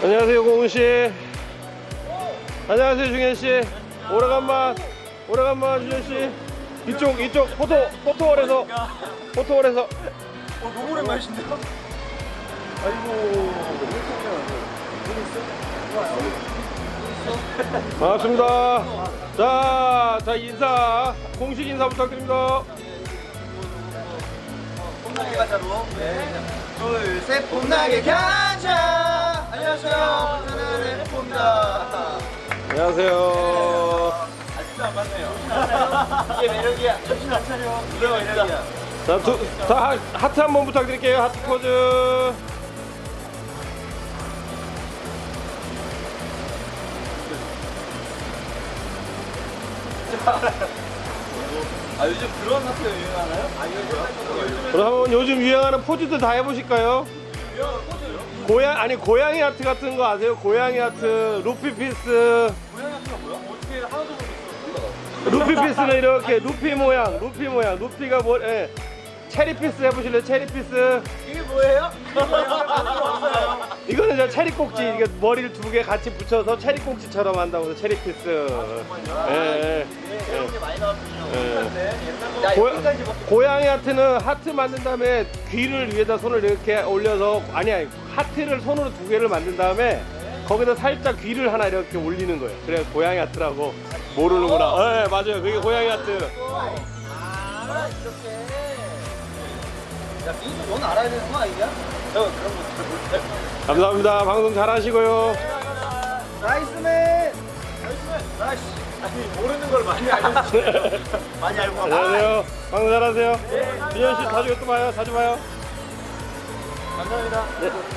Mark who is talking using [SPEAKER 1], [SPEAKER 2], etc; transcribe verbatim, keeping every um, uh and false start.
[SPEAKER 1] 안녕하세요, 공훈씨. 안녕하세요, 중현씨. 오래간만, 오래간만, 준현씨. 이쪽, 이쪽, 포토, 포토월에서. 포토월에서.
[SPEAKER 2] 어, 너무 오랜만이신데요?
[SPEAKER 1] 반갑습니다. 자, 자, 인사. 공식 인사 부탁드립니다.
[SPEAKER 2] 봄나게 가자로. 네. 둘, 셋, 봄나게 가자. 안녕하세요. 저는 래퍼입니다.
[SPEAKER 1] 안녕하세요.
[SPEAKER 2] 아직도 안 봤네요. 이게 매력이야. 정신 안 차려. 이게 매력이야.
[SPEAKER 1] 자, 두, 다 하- 하트 한번 부탁드릴게요. 하트 포즈.
[SPEAKER 2] 아, 요즘 그런 학교 유행하나요? 아, 요즘
[SPEAKER 1] 그럼 한번 요즘 유행하는 포즈도 다 해보실까요?
[SPEAKER 2] 유행하는 포즈요?
[SPEAKER 1] 고양 아니 고양이 하트 같은 거 아세요? 고양이 하트, 루피 피스.
[SPEAKER 2] 고양이 학교가 뭐야? 어떻게 하나도 모르겠어.
[SPEAKER 1] 루피 피스는 이렇게 루피 모양, 루피 모양, 루피가 뭐? 예. 체리 피스 해보실래요? 체리 피스.
[SPEAKER 2] 이게 뭐예요? 이게 뭐예요?
[SPEAKER 1] 이거는 저 체리 꼭지, 이게 머리를 두 개 같이 붙여서 체리 꼭지처럼 한다고 해서 체리 피스. 예, 예.
[SPEAKER 2] 이런 게 많이 나왔군요.
[SPEAKER 1] 예.
[SPEAKER 2] 야,
[SPEAKER 1] 고,
[SPEAKER 2] 여기까지 봐.
[SPEAKER 1] 고양이 하트는 하트 만든 다음에 귀를 위에다 손을 이렇게 올려서 아니 아니 하트를 손으로 두 개를 만든 다음에 거기다 살짝 귀를 하나 이렇게 올리는 거예요. 그래 고양이 하트라고 모르는구나. 네 맞아요. 그게 고양이 하트.
[SPEAKER 2] 아, 이렇게. 야, 민수 넌 알아야 되는 거 아니냐? 저 그런 거잘 모르겠어요.
[SPEAKER 1] 감사합니다. 방송 잘하시고요.
[SPEAKER 2] 나이스맨! 나이스맨! 나이스! 아니, 모르는 걸 많이 알고 있어요. 많이 알고 와.
[SPEAKER 1] 안녕하세요. 방송 잘하세요. 준현 씨 자주 또 봐요. 자주 봐요.
[SPEAKER 2] 감사합니다.
[SPEAKER 1] 네.